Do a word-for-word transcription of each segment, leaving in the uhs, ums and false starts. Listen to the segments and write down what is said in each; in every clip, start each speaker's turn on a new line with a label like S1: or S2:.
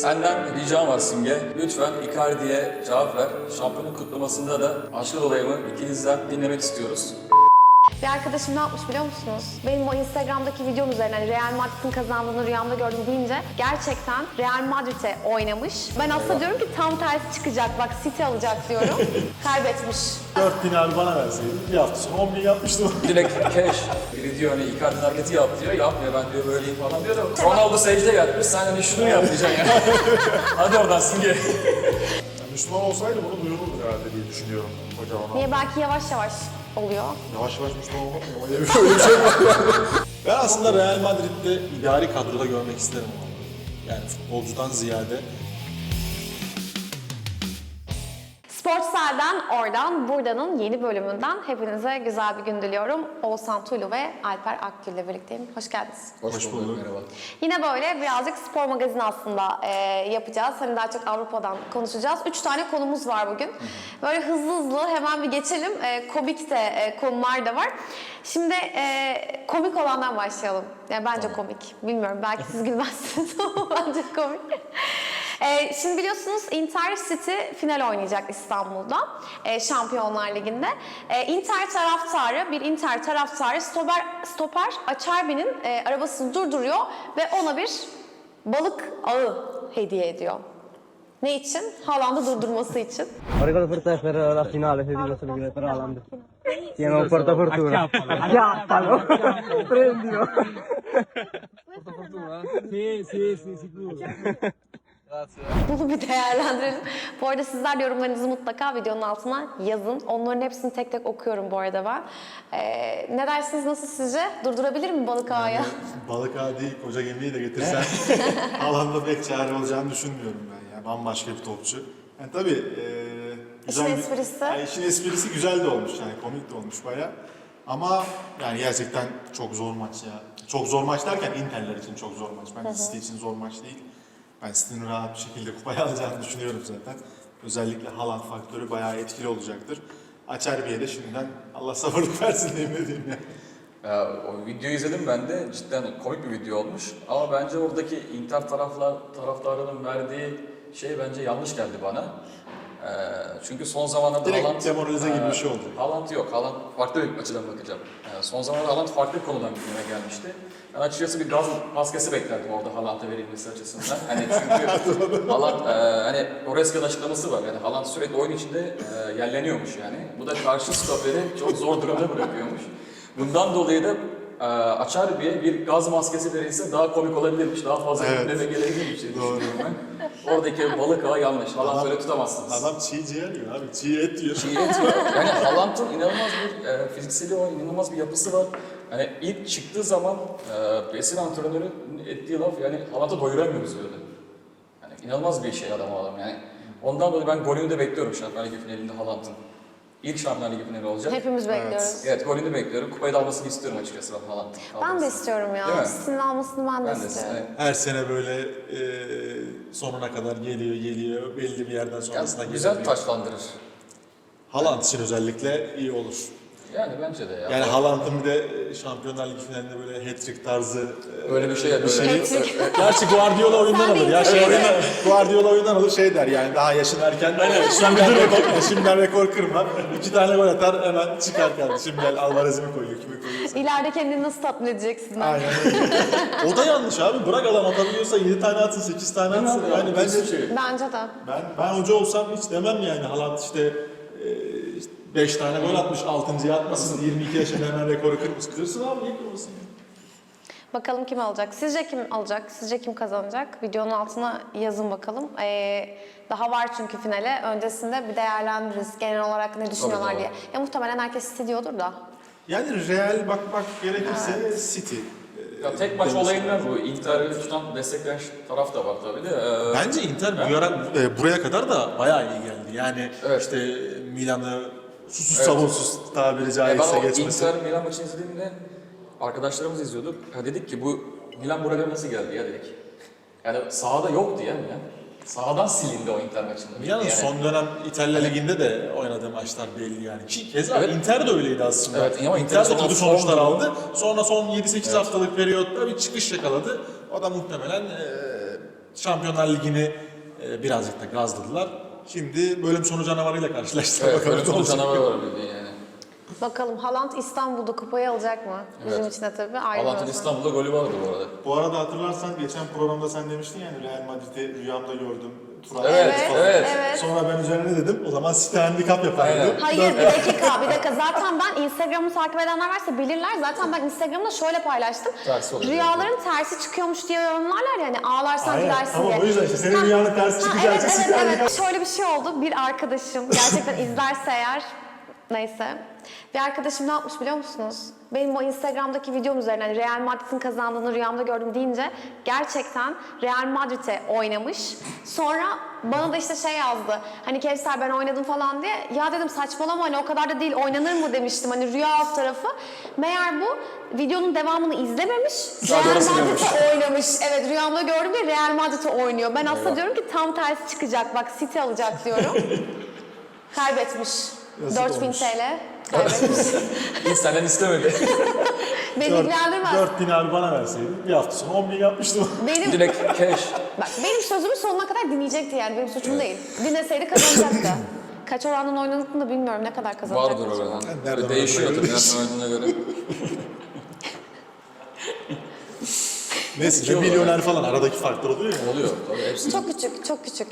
S1: Senden ricam var Simge. Lütfen Icardi'ye cevap ver. Şampiyonluk kutlamasında da aşkı dolayımı ikinizden dinlemek istiyoruz.
S2: Bir arkadaşım ne yapmış biliyor musunuz? Benim o Instagram'daki videom üzerine hani Real Madrid'in kazandığını rüyamda gördüm deyince gerçekten Real Madrid'e oynamış. Ben aslında diyorum ki tam tersi çıkacak. Bak City alacak diyorum. Kaybetmiş.
S3: dört bin abi bana verseydin bir hafta sonra on bin yapmıştım.
S1: Direkt cash. Biri diyor hani Icardi'nin hareketi yap diyor. Yapmıyor, ben diyor böyleyim falan diyor da Ronaldo secde yapmış. Sen hani şunu yap diyeceksin yani. Hadi oradan Simge.
S3: Yani Müslüman olsaydı bunu duyururdu herhalde diye düşünüyorum hocam ona.
S2: Niye belki yavaş yavaş oluyor.
S3: Yavaş yavaş Müslüman olmak mı? Öyle bir, öyle bir şey var. Ben aslında Real Madrid'de idari kadroda görmek isterim onu. Yani futbolcudan ziyade.
S2: Sportsel'den, oradan, buradanın yeni bölümünden hepinize güzel bir gün diliyorum. Oğuzhan Tulu ve Alper Akgül ile birlikteyim. Hoş geldiniz.
S3: Hoş bulduk.
S1: Merhaba.
S2: Yine böyle birazcık spor magazini aslında e, yapacağız. Hani daha çok Avrupa'dan konuşacağız. Üç tane konumuz var bugün. Böyle hızlı hızlı hemen bir geçelim. E, komik de e, konular da var. Şimdi e, komik olandan başlayalım. Yani bence komik. Bilmiyorum, belki siz gülmezsiniz ama bence komik. Ee, şimdi biliyorsunuz Inter City final oynayacak İstanbul'da e, Şampiyonlar Ligi'nde. E, Inter taraftarı, bir Inter taraftarı stoper, stoper Acerbi'nin e, arabasını durduruyor ve ona bir balık ağı hediye ediyor. Ne için? Haaland'ı durdurması için.
S4: Ricordo per te per la finale, se dico solo per Haaland. Tiene un porta fortuna. Acchiappalo. Prendilo. Porta fortuna? Sì, sì, sì, sicuro.
S2: Bunu bir değerlendirelim. Bu arada sizler de yorumlarınızı mutlaka videonun altına yazın. Onların hepsini tek tek okuyorum bu arada ben. Ee, ne dersiniz, nasıl sizce? Durdurabilir mi balık ağı ya?
S3: Balık ağı değil, koca gemiyi de getirsen alanda pek çare olacağını düşünmüyorum ben ya. Bambaşka bir topçu. Yani tabii e, güzel
S2: İşin
S3: bir-
S2: esprisi.
S3: Yani işin esprisi güzel de olmuş yani, komik de olmuş bayağı. Ama yani gerçekten çok zor maç ya. Çok zor maç derken Inter'ler için çok zor maç. Bence City için zor maç değil. Ben City'nin rahat bir şekilde kupayı alacağını düşünüyorum zaten. Özellikle Haaland faktörü bayağı etkili olacaktır. Acerbi'ye de şimdiden Allah sabırlık versin diyeyim ne diyeyim ya.
S1: Ya, o videoyu izledim ben de. Cidden komik bir video olmuş. Ama bence oradaki Inter taraflar, taraftarının verdiği şey bence yanlış geldi bana. Ee, çünkü son zamanlarda
S3: Direkt
S1: Haaland...
S3: demoralize gibi bir şey oldu.
S1: Haaland yok. Haaland farklı bir açıdan bakacağım. Ee, son zamanlarda Haaland farklı bir konudan gündeme gelmişti. Ben açıkçası bir gaz maskesi beklerdim orada Haaland'a verilmesi açısından. Hani çünkü Haaland, e, hani Oreska'nın açıklaması var. Yani Haaland sürekli oyun içinde e, yerleniyormuş yani. Bu da karşı stoperi çok zor durumda bırakıyormuş. Bundan dolayı da e, Acerbi'ye bir gaz maskesi verilse daha komik olabilirmiş, daha fazla
S3: Evet.
S1: gündeme gelebilirmiş diye
S3: Doğru.
S1: düşünüyorum ben. Oradaki balık ağı yanlış. Haaland
S3: Adam-
S1: böyle tutamazsınız.
S3: Adam çiğ ciğer yiyor abi, çiğ et yiyor.
S1: Çiğ et yok. Yani Haaland'ın inanılmaz bir e, fizikseli var, inanılmaz bir yapısı var. Hani ilk çıktığı zaman e, Besin antrenörü ettiği laf yani Haaland'ı doyuramıyoruz diyordu. Yani inanılmaz bir şey adam o adam yani. Ondan dolayı ben golünü de bekliyorum Şampiyonlar Ligi finalinde Haaland'ın. İlk Şampiyonlar Ligi finali olacak.
S2: Hepimiz bekliyoruz.
S1: Evet, golünü bekliyorum. Kupayı da almasını istiyorum açıkçası ben Haaland'ın.
S2: Ben de
S1: almasını.
S2: istiyorum ya.
S1: Değil mi?
S2: City'nin almasını ben de
S1: Ben de
S2: istiyorum.
S1: evet.
S3: Her sene böyle e, sonuna kadar geliyor geliyor, belli bir yerden sonrasına
S1: Yani
S3: geliyor.
S1: güzel taçlandırır.
S3: Haaland için özellikle iyi olur.
S1: Yani bence de ya.
S3: Yani Haaland'ın bir de Şampiyonlar Ligi finalinde böyle hat-trick tarzı e,
S1: Öyle bir şey
S3: bir
S1: yapıyor.
S3: şey.
S2: Hat-trick.
S3: Gerçi Guardiola oyundan
S2: Sen de
S3: alır ya şey
S2: ince-
S3: oyundan, Guardiola oyundan alır şey der yani daha yaşın erken. Şimdiden rekor, şimdiden rekor kırma. İki tane gol atar hemen çıkar kardeşim gel Alvarez'i mi koyuyor kimi koyuyorsa.
S2: İleride kendini nasıl tatmin edeceksin?
S3: Aynen öyle. O da yanlış abi. Bırak adam atabiliyorsa yedi tane atsın, sekiz tane atsın.
S1: Değil mi?
S3: Yani bence
S1: Hiçbir şey.
S2: Bence de.
S3: ben ben hoca olsam hiç demem yani Haaland işte beş tane gol atmış, altıncıyı atmasın, yirmi iki yaşında hemen rekoru kırmış. Kırsın abi, niye kırmasın ya?
S2: Bakalım kim alacak? Sizce kim alacak? Sizce kim kazanacak? Videonun altına yazın bakalım. Ee, daha var çünkü finale. Öncesinde bir değerlendiririz. Genel olarak ne düşünüyorlar
S1: Tabii,
S2: diye. Ya muhtemelen herkes istediyordur da.
S3: Yani Real bakmak gerekirse City.
S1: Ya tek maç
S3: Demesi
S1: olayından
S3: lazım.
S1: bu. Inter'i tutan destekleyen taraf da var tabii de. Ee,
S3: Bence Inter bu ara, e, buraya kadar da bayağı iyi geldi. Yani
S1: Evet.
S3: işte Milan'ı susuz
S1: Evet.
S3: savunsuz tabiri
S1: Ya
S3: caizse
S1: ben o
S3: geçmesi.
S1: Inter Milan maçını izlediğimde arkadaşlarımız izliyorduk. Ya dedik ki bu Milan buraya nasıl geldi ya dedik. Yani sahada yoktu ya Milan. Sahadan silindi o Inter maçında.
S3: Milan'ın
S1: yani.
S3: son dönem İtalya Ligi'nde de oynadığı maçlar belli yani. Ki keza
S1: Evet.
S3: Inter de öyleydi aslında.
S1: Evet, ama
S3: Inter de
S1: Inter'in
S3: kötü
S1: son-
S3: sonuçlar aldı. Sonra son yedi sekiz haftalık periyotta bir çıkış yakaladı. O da muhtemelen e, Şampiyonlar Ligi'ni e, birazcık da gazladılar. Şimdi bölüm sonu canavarıyla karşılaştılar.
S1: Evet,
S3: Bakalım
S1: böyle
S3: ne
S1: sonu
S3: olacak.
S1: canavar var bildiğin yani.
S2: Bakalım Haaland İstanbul'da kupayı alacak mı? Bizim
S1: Evet.
S2: için de tabii ayrı bir
S1: Haaland'ın
S2: özen.
S1: İstanbul'da golü vardı bu arada.
S3: Bu arada hatırlarsan geçen programda sen demiştin yani Real Madrid'i rüyamda gördüm. Turan
S1: Evet,
S3: falan.
S1: evet.
S2: evet.
S3: Sonra ben üzerine dedim o zaman City handikap yapar
S1: Aynen.
S3: dedim.
S2: Hayır bir dakika bir dakika zaten ben Instagram'ı takip edenler varsa bilirler zaten ben Instagram'da şöyle paylaştım.
S1: Tersi oluyor.
S2: Rüyaların tersi çıkıyormuş diye yorumlarlar yani ağlarsan
S3: Aynen,
S2: gülersin
S3: tamam,
S2: diye.
S3: o yüzden işte senin
S2: Ha,
S3: rüyanın tersi
S2: ha,
S3: çıkacağı
S2: evet,
S3: için
S2: evet,
S3: City
S2: evet.
S3: handikap.
S2: Şöyle bir şey oldu bir arkadaşım gerçekten izlerse eğer neyse. Bir arkadaşım ne yapmış biliyor musunuz? Benim o Instagram'daki videom üzerine hani Real Madrid'in kazandığını rüyamda gördüm deyince gerçekten Real Madrid'e oynamış. Sonra bana da işte şey yazdı. Hani Kevser ben oynadım falan diye. Ya dedim saçmalama hani o kadar da değil oynanır mı demiştim. Hani rüya alt tarafı. Meğer bu videonun devamını izlememiş.
S1: Sadece
S2: Real
S1: orası görmüş.
S2: Madrid'e oynamış. Evet rüyamda gördüm diye Real Madrid'e oynuyor. Ben aslında diyorum ki tam tersi çıkacak. Bak City alacak diyorum. Kaybetmiş.
S3: Yazık
S2: dört bin
S3: olmuş.
S2: T L kaybetmiş.
S1: Hiç senden istemedi.
S2: Beni ilgilendirmez.
S3: dört bin abi bana verseydin bir hafta sonra on bin yapmıştım.
S2: Benim,
S1: Direkt cash.
S2: bak, benim sözümü sonuna kadar dinleyecekti yani benim suçum değil. Dinleseydi kazanacaktı. Kaç orandan oynadığını da bilmiyorum ne kadar kazanacaktı.
S1: Vardır oradan.
S3: nereden
S1: Böyle değişiyor
S3: oynadığına
S1: tabii
S3: göre
S1: nereden oynadığına göre.
S3: Neyse
S1: Şey
S3: milyoner falan aradaki farklar oluyor ya.
S1: Oluyor tabii hepsi.
S2: Çok küçük, çok küçük.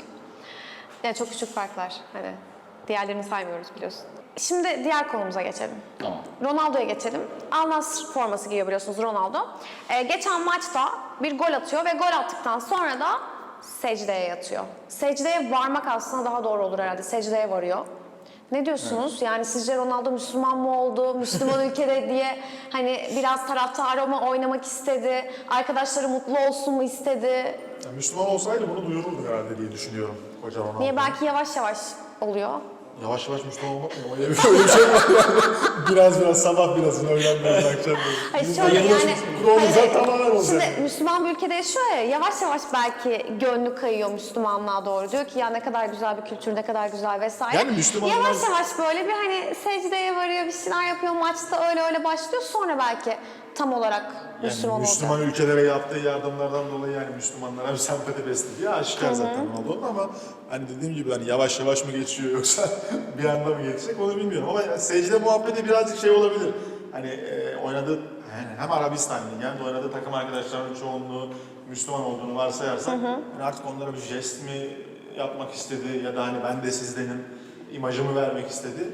S2: Yani çok küçük farklar. Hani diğerlerini saymıyoruz biliyorsun. Şimdi diğer konumuza geçelim.
S1: Tamam.
S2: Ronaldo'ya geçelim. Al Nassr forması giyiyor biliyorsunuz Ronaldo. Ee, geçen maçta bir gol atıyor ve gol attıktan sonra da secdeye yatıyor. Secdeye varmak aslında daha doğru olur herhalde. Secdeye varıyor. Ne diyorsunuz? Yani sizce Ronaldo Müslüman mı oldu? Müslüman ülkede diye hani biraz taraftarı mı oynamak istedi? Arkadaşları mutlu olsun mu istedi?
S3: Ya Müslüman olsaydı bunu duyururdu herhalde diye düşünüyorum koca Ronaldo.
S2: Niye belki yavaş yavaş oluyor?
S3: Yavaş yavaş Müslüman olmak mı? Öyle bir, öyle bir şey var yani. Biraz biraz sabah biraz, öğlen biraz, akşam biraz.
S2: Hayır şöyle yani,
S3: Olursa
S2: hani,
S3: tamamen olacak.
S2: şimdi Müslüman bir ülkede yaşıyor ya, yavaş yavaş belki gönlü kayıyor Müslümanlığa doğru. Diyor ki ya ne kadar güzel bir kültür, ne kadar güzel vesaire.
S3: Yani Müslümanlar-
S2: Yavaş yavaş böyle bir hani secdeye varıyor, bir şeyler yapıyor, maçta öyle öyle başlıyor. Sonra belki tam olarak Müslüman
S3: Yani Müslüman
S2: olacak.
S3: ülkelere yaptığı yardımlardan dolayı yani Müslümanlara bir sempati beslediği aşikar zaten Ronaldo'nun ama hani dediğim gibi hani yavaş yavaş mı geçiyor yoksa bir anda mı geçecek onu bilmiyorum ama yani secde muhabbeti birazcık şey olabilir. Hani e, oynadığı yani hem Arabistan Ligi hem de oynadığı takım arkadaşlarının çoğunluğu Müslüman olduğunu varsayarsak yani artık onlara bir jest mi yapmak istedi ya da hani ben de sizdenim imajımı vermek istedi.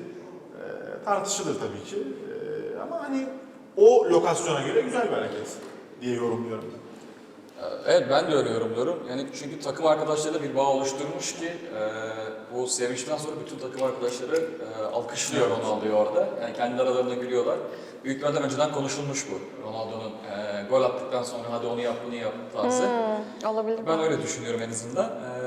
S3: E, tartışılır tabii ki. E, ama hani o lokasyona göre güzel bir hareket diye yorumluyorum.
S1: Evet ben de öyle yorumluyorum. Yani çünkü takım arkadaşlarıyla bir bağ oluşturmuş ki e, bu sevinçten sonra bütün takım arkadaşları e, alkışlıyor Ronaldo'yu orada. Yani kendi aralarında gülüyorlar. Büyüklerden önceden konuşulmuş bu. Ronaldo'nun e, gol attıktan sonra hadi onu yap bunu yap tarzı.
S2: Hmm, olabilir.
S1: Ben öyle düşünüyorum en azından.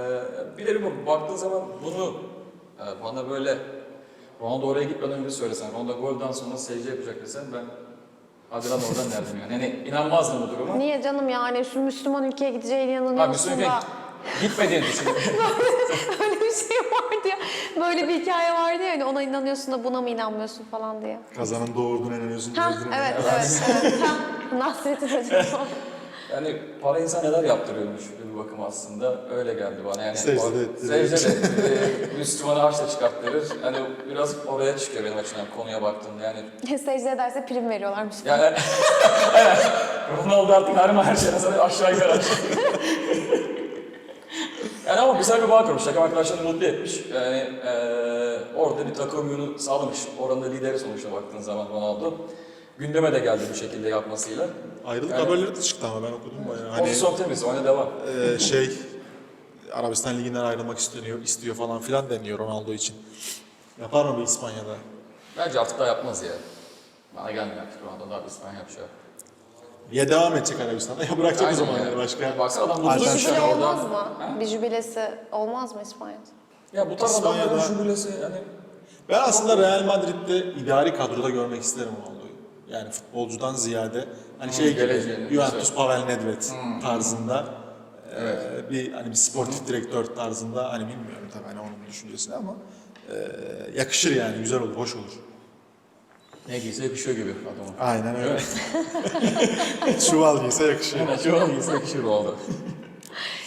S1: E, bir de bir baktığın zaman bunu e, bana böyle Ronaldo oraya gitmeden önce söylesen, Ronaldo golden sonra secde yapacak desen ben hadi lan oradan derdim yani. Yani inanmazdım bu duruma.
S2: Niye canım yani şu Müslüman ülkeye gideceğine
S1: Ha,
S2: inanıyorsun
S1: Müslüman
S2: da.
S1: gitmediğini düşünüyorum.
S2: Öyle bir şey vardı ya. Böyle bir hikaye vardı ya hani ona inanıyorsun da buna mı inanmıyorsun falan diye.
S3: Kazanın doğurduğuna inanıyorsun.
S2: Ha
S3: gözüne
S2: evet
S3: inanıyorsun.
S2: evet evet. Ha, Nasrettin Hoca.
S1: Yani para insan neler yaptırıyormuş bir bakım aslında. Öyle geldi bana. Yani
S3: Secde
S1: o-
S3: de ettiriyor.
S1: Secde de ettiriyor. Müslümanı harçla çıkarttırır. Hani biraz oraya çıkıyor benim açımdan konuya baktığımda yani.
S2: Secde ederse prim veriyorlarmış.
S1: Yani evet. Ronaldo artık her her şeyden sonra aşağı yukarı aşağı. Yani ama güzel bir bağ kurmuş. Takım arkadaşlarını mutlu etmiş. Yani eee orada bir takım uyumunu sağlamış. Oranın da lideri sonuçta baktığın zaman Ronaldo. Gündeme de geldi bu şekilde yapmasıyla.
S3: Ayrılık
S1: Yani-
S3: haberleri de çıktı ama ben okudum bayağı. Hani
S1: Pozisyon temiz, oyuna devam.
S3: e, şey Arabistan Ligi'nden ayrılmak istiyor, istiyor falan filan deniyor Ronaldo için. Yapar mı bu İspanya'da?
S1: Bence artık daha yapmaz ya. Bana gelmiyor artık Ronaldo daha bir İspanya yapacak.
S3: Ya devam edecek Arabistan'da ya bırakacak o zaman yani başka.
S1: Yani baksana adam
S2: Bir
S1: mutlu
S3: Alternatif
S2: jübile
S1: şu orada.
S2: olmaz mı?
S1: Ha?
S2: Bir jübilesi olmaz mı İspanya'da?
S1: Ya bu tarz
S3: İspanya'da-
S1: adamların jübilesi yani
S3: Ben aslında Real Madrid'de idari kadroda görmek isterim Ronaldo'yu. Yani futbolcudan ziyade hani şey gibi
S1: geleceğini,
S3: Juventus
S1: güzel.
S3: Pavel Nedved tarzında e, bir hani bir sportif direktör tarzında hani bilmiyorum tabii hani onun düşüncesini ama e, yakışır yani güzel olur, hoş olur.
S1: ne giyse yakışıyor gibi adama.
S3: Aynen öyle. Çuval giyse yakışıyor.
S1: Yani şu an giyse yakışıyor oldu.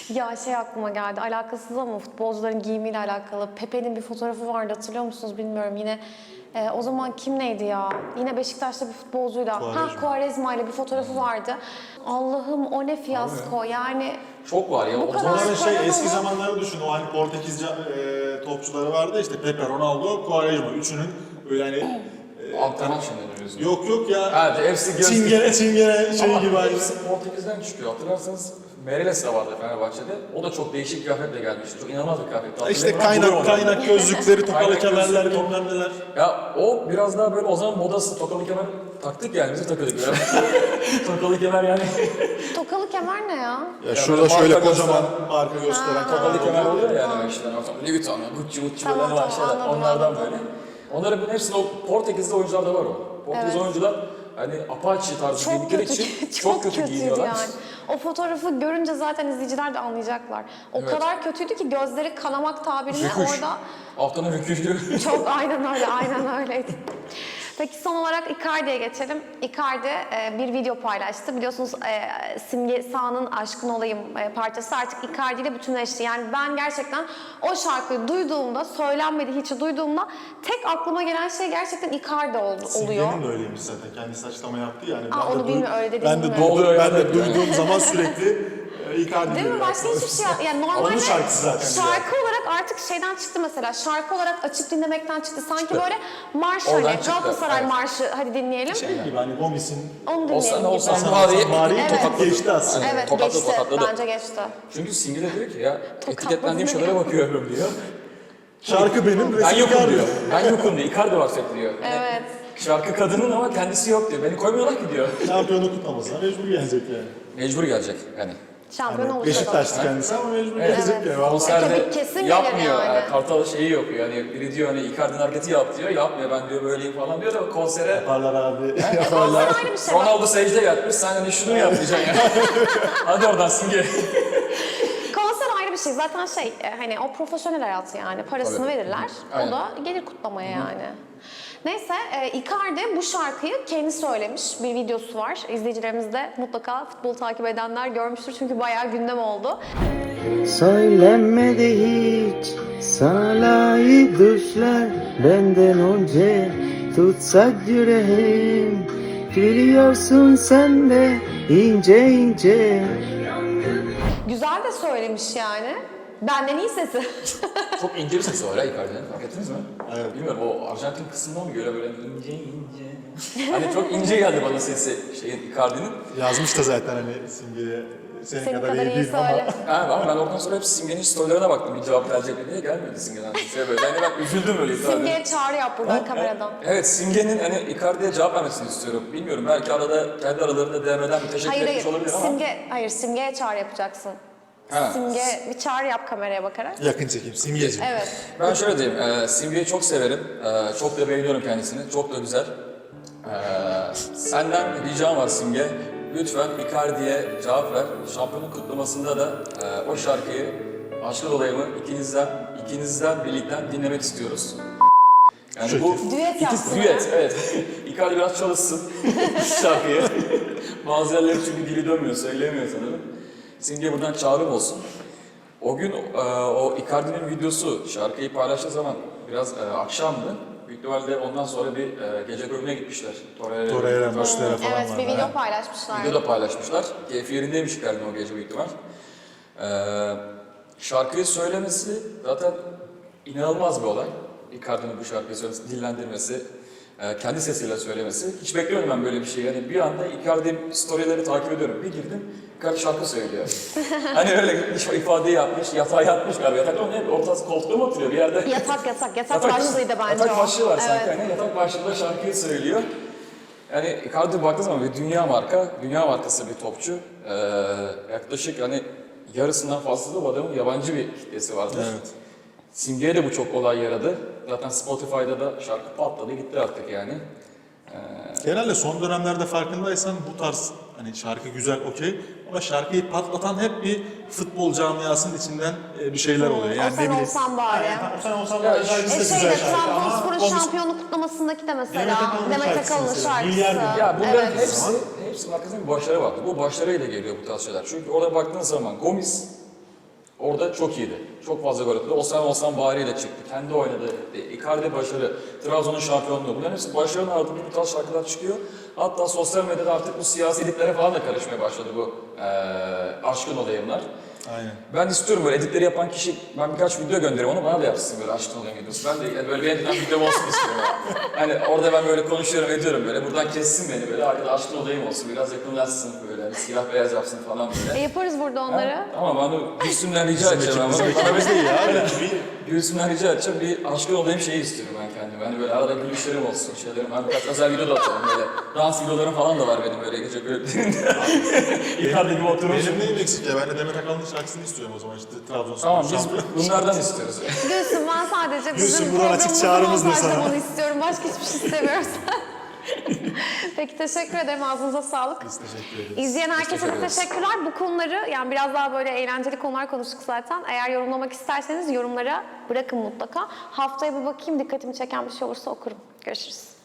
S2: Ya şey aklıma geldi, alakasız ama futbolcuların giyimiyle alakalı. Pepe'nin bir fotoğrafı vardı, hatırlıyor musunuz bilmiyorum. Yine e, o zaman kim neydi ya? Yine Beşiktaş'ta bir futbolcuyla.
S3: Quaresma.
S2: Ha Quaresma ile bir fotoğrafı vardı. Allah'ım o ne fiyasko yani.
S1: Çok var ya.
S2: Bu
S1: O
S2: kadar-
S1: zaman
S3: Onların şey
S2: Sonra
S3: eski
S2: ama-
S3: zamanları düşün. O hani Portekiz e, topçuları vardı işte Pepe, Ronaldo, Quaresma. Üçünün böyle hani
S1: antrenman şeyleri diyorsun.
S3: yok yok ya.
S1: Evet, hepsi göz...
S3: Çingene çingene şey
S1: Ama
S3: gibi hani.
S1: hepsi Portekiz'den çıkıyor. Hatırlarsanız Meireles de vardı Fenerbahçe'de. O da çok değişik kıyafetle gelmişti. Çok inanılmaz bir kıyafetti.
S3: İşte
S1: Hatırlayın mi?
S3: kaynak
S1: Bruno
S3: kaynak gözlükleri, tokalı
S1: Kaynak
S3: kemerler,
S1: gözlükleri.
S3: bilmem neler.
S1: Ya o biraz daha böyle o zaman modası tokalı kemer taktık yani bizi takıyorduk böyle. Tokalı kemer yani.
S2: Tokalı kemer ne ya?
S3: Ya
S1: böyle
S3: şurada şöyle
S1: marka
S3: kocaman
S1: gösteren-
S3: marka gösteren
S1: Tokalı
S3: kemer
S1: kemer
S3: oluyor.
S1: oluyor ya yani işte. Louis Vuitton, Gucci, Gucci
S2: Tamam,
S1: böyle var
S2: tamam,
S1: şeyler.
S2: anladım,
S1: Onlardan
S2: anladım.
S1: böyle. Onların bunun hepsinde o Portekiz'de oyuncularda var o. Portekiz
S2: Evet.
S1: oyuncular hani Apache tarzı
S2: Çok
S1: giydikleri
S2: kötü,
S1: için
S2: çok,
S1: çok kötü
S2: kötüydü
S1: giyiniyorlar.
S2: yani. O fotoğrafı görünce zaten izleyiciler de anlayacaklar. O
S1: Evet.
S2: kadar kötüydü ki gözleri kanamak tabirine
S1: Rüküş.
S2: orada
S1: Haftanın rüküşü.
S2: çok aynen öyle, aynen öyleydi. Peki son olarak Icardi'ye geçelim. Icardi e, bir video paylaştı. Biliyorsunuz e, Simge Sağ'ın Aşkın Olayım e, parçası artık Icardi ile bütünleşti. Yani ben gerçekten o şarkıyı duyduğumda, söylenmedi hiç duyduğumda tek aklıma gelen şey gerçekten Icardi oldu, oluyor.
S3: Simge'nin de öyleymiş zaten. Kendisi açıklama yaptı yani.
S2: Aa,
S3: Ben de
S2: onu
S3: duy-
S2: bilmiyorum, öyle dediğini
S3: Ben de,
S2: bilmiyorum.
S3: duydum,
S1: Oluyor
S3: ben
S1: ya,
S3: de
S1: evet.
S3: duyduğum zaman sürekli e, Icardi
S2: Değil mi?
S3: diyor.
S2: Başka hiçbir şey yani normalde
S3: Onun şarkısı zaten
S2: şarkı olarak artık şeyden çıktı mesela. Şarkı olarak açıp dinlemekten çıktı. Sanki böyle marş
S1: Oradan
S2: hani
S1: çıktı,
S2: Galatasaray
S1: evet.
S2: marşı hadi dinleyelim.
S3: Şey gibi hani Gomis'in
S2: Onu dinleyelim
S1: Olsan
S2: gibi.
S1: olsan
S3: Hasan
S1: bari
S3: Hasan Bari'yi
S2: Evet.
S3: tokat geçti aslında.
S2: Evet
S1: Tokatlı,
S2: geçti.
S1: tokatladı.
S2: Bence geçti.
S1: Çünkü Simge de diyor ki ya
S2: Tokatladı
S1: etiketlendiğim
S2: ne
S1: şeylere
S2: ya?
S1: bakıyorum diyor.
S3: Şarkı benim,
S1: Ben
S3: resim
S1: yokum
S3: Icardi.
S1: diyor. Ben yokum diyor. Icardi var sürekli diyor. Yani
S2: Evet.
S1: şarkı kadının ama kendisi yok diyor. Beni koymuyorlar ki diyor.
S3: Şampiyonu kutlamasına mecbur gelecek yani.
S1: Mecbur gelecek yani.
S2: Şampiyon
S3: Yani
S2: olursa da.
S3: Beşiktaş'tı kendisi ama mecbur
S1: Evet.
S3: gelecek
S2: Evet.
S3: yani. Vallahi.
S1: Konserde
S2: Tabii, kesin gelir
S1: yapmıyor.
S2: yani.
S1: Yani. Kartal şeyi yapıyor. Yani biri diyor hani Icardi'nin hareketi yap diyor. Yapmıyor ben diyor böyleyim falan diyor da konsere
S3: Yaparlar abi.
S2: Konser ayrı bir şey. Bak,
S1: Ronaldo secde yatmış. Sen hani şunu yap diyeceksin yani. Hadi oradan Simge.
S2: konser ayrı bir şey. Zaten şey e, hani o profesyonel hayatı yani. Parasını
S1: Tabii.
S2: verirler.
S1: Aynen.
S2: O da gelir kutlamaya yani. Neyse e, Icardi bu şarkıyı kendi söylemiş. Bir videosu var. İzleyicilerimiz de mutlaka futbol takip edenler görmüştür. Çünkü bayağı gündem oldu.
S5: Söylenmedi hiç sana layık düşler benden önce tutsak yüreğim biliyorsun sen de ince ince.
S2: Güzel de söylemiş yani. Benden iyi sesi.
S1: Çok ince bir sesi var ya Icardi'nin. Fark ettiniz mi?
S3: Evet.
S1: Bilmiyorum o Arjantin kısmından mı göre böyle ince ince. Hani çok ince geldi bana sesi şeyin Icardi'nin.
S3: Yazmış da zaten hani Simge'ye senin,
S2: Senin
S3: kadar,
S2: kadar
S3: iyi
S2: iyi
S3: değilim ama.
S2: söyle.
S1: Ha, ama ben oradan sonra hep Simge'nin storylerine baktım. Bir cevap gelecek mi diye gelmedi Simge'den. Şey böyle. Yani ben üzüldüm öyle Icardi'nin.
S2: Simge'ye çağrı yap buradan kameradan.
S1: Evet, Simge'nin hani Icardi'ye cevap vermesini istiyorum. Bilmiyorum, belki arada kendi aralarında D M'den bir teşekkür
S2: Hayır
S1: etmiş
S2: hayır.
S1: olabilir ama.
S2: Simge, hayır Simge'ye çağrı yapacaksın.
S1: Ha.
S2: Simge bir çağrı yap kameraya bakarak.
S3: Yakın çekim, Simgeciğim.
S2: Evet.
S1: Ben şöyle diyeyim, e, Simge'yi çok severim. E, çok da beğeniyorum kendisini. Çok da güzel. E, senden ricam var Simge. Lütfen Icardi'ye cevap ver. Şampiyonluk kutlamasında da e, o şarkıyı Aşkın Olayımı ikinizden, ikinizden birlikten dinlemek istiyoruz. Yani bu
S2: Düet yapsın
S1: iki düet, evet. Icardi biraz çalışsın şarkıyı. Bazı yerleri çünkü dili dönmüyor, söyleyemiyor sanırım. Simge buradan çağrım olsun. O gün e, o Icardi'nin videosu şarkıyı paylaştığı zaman biraz e, akşamdı. Büyük ihtimalle ondan sonra bir e, gece kulübüne gitmişler. Torreira,
S3: Torreira, Muslera falan
S2: Evet
S3: var.
S2: bir video
S3: Ha.
S2: paylaşmışlar.
S1: Video da paylaşmışlar. Keyfi yerindeymiş Icardi'nin o gece büyük ihtimal. E, şarkıyı söylemesi zaten inanılmaz bir olay. Icardi'nin bu şarkıyı söylemesi, dillendirmesi, e, kendi sesiyle söylemesi. Hiç bekliyorum ben böyle bir şey. Yani bir anda Icardi storyleri takip ediyorum. Bir girdim, Icardi şarkı söylüyor. Hani öyle hiç ifadeyi yapmış, yatağa yatmış galiba. Yatakta mı ne? Ortası koltukta mı oturuyor bir yerde?
S2: Yatak yatak. Yatak başlığıydı bence
S1: Yatak
S2: o.
S1: başlığı var sanki.
S2: Evet.
S1: Hani yatak başlığında şarkıyı söylüyor. Yani Icardi baktığı zaman bir dünya marka, dünya markası bir topçu. Ee, yaklaşık hani yarısından fazla da bu adamın yabancı bir kitlesi vardır.
S3: Evet.
S1: Simge'ye de bu çok olay yaradı. Zaten Spotify'da da şarkı patladı gitti artık yani.
S3: Genelde son dönemlerde farkındaysan bu tarz hani şarkı güzel okey ama şarkıyı patlatan hep bir futbol camiasının içinden e, bir şeyler oluyor. Yani
S2: O sen
S3: ne bileyim.
S2: olsan bari.
S3: Yani, o sen olsan
S1: Ya
S3: bari şarkısı
S2: E
S3: da
S2: şeyde
S3: güzel şarkı ama
S2: Trabzonspor'un
S3: konusu-
S2: şampiyonluk kutlamasındaki de mesela
S3: Demet Akalın'ın
S2: Demet
S3: şarkısı
S2: Akalın'ın
S3: mesela.
S2: şarkısı.
S3: Milyar bin.
S1: Ya bunların
S2: Evet.
S1: hepsi, hepsinin arkasında bir başarı vardı. Bu başarıyla geliyor bu tarz şeyler. Çünkü orada baktığın zaman Gomis Orada çok iyiydi. Çok fazla gol attı. Osimhen Osimhen bağırıyla çıktı. Kendi oynadı. E, Icardi başarı. Trabzon'un şampiyonluğu. Bunların hepsi başarının ardından bu tarz şarkılar çıkıyor. Hatta sosyal medyada artık bu siyasi editlere falan da karışmaya başladı bu e, aşkın olayımlar.
S3: Aynen.
S1: Ben istiyorum böyle editleri yapan kişi, ben birkaç video gönderiyorum onu bana da yapsın böyle aşkın olayım videosu. Ben de yani böyle bir editten videom olsun istiyorum. Yani. Hani orada ben böyle konuşuyorum ediyorum böyle. Buradan kessin beni böyle. Arkada aşkın olayım olsun. Biraz yakınlaşsın böyle. Hani siyah beyaz yapsın falan
S2: E,
S1: böyle.
S2: yaparız burada onları.
S1: Ama bana Gülsüm'den rica edeceğim ama. Bana
S3: Biz değil ya.
S1: Gülsüm'den rica edeceğim bir aşkın olayım şeyi istiyorum ben kendime. Hani böyle arada gülüşlerim olsun, şeylerim. Ben birkaç özel video da atarım böyle. Dans videolarım falan da var benim böyle gece kulüplerinde. Icardi gibi oturmuş.
S3: Benim neyim eksik ya? Ben de Demet Akalın'ın şarkısını istiyorum o zaman işte Trabzonspor.
S1: Tamam biz
S3: şampiyon.
S1: bunlardan istiyoruz.
S2: Gülsün ben sadece
S3: Gülsün,
S2: bizim
S3: buradan açık
S2: programımızın
S3: çağrımızdır sana.
S2: başlamanı istiyorum. Başka hiçbir şey istemiyoruz. Peki teşekkür ederim. Ağzınıza sağlık.
S3: Biz teşekkür ederiz.
S2: İzleyen herkese
S1: Teşekkür
S2: de
S1: ederiz.
S2: teşekkürler. Bu konuları yani biraz daha böyle eğlenceli konular konuştuk zaten. Eğer yorumlamak isterseniz yorumlara bırakın mutlaka. Haftaya bir bakayım dikkatimi çeken bir şey olursa okurum. Görüşürüz.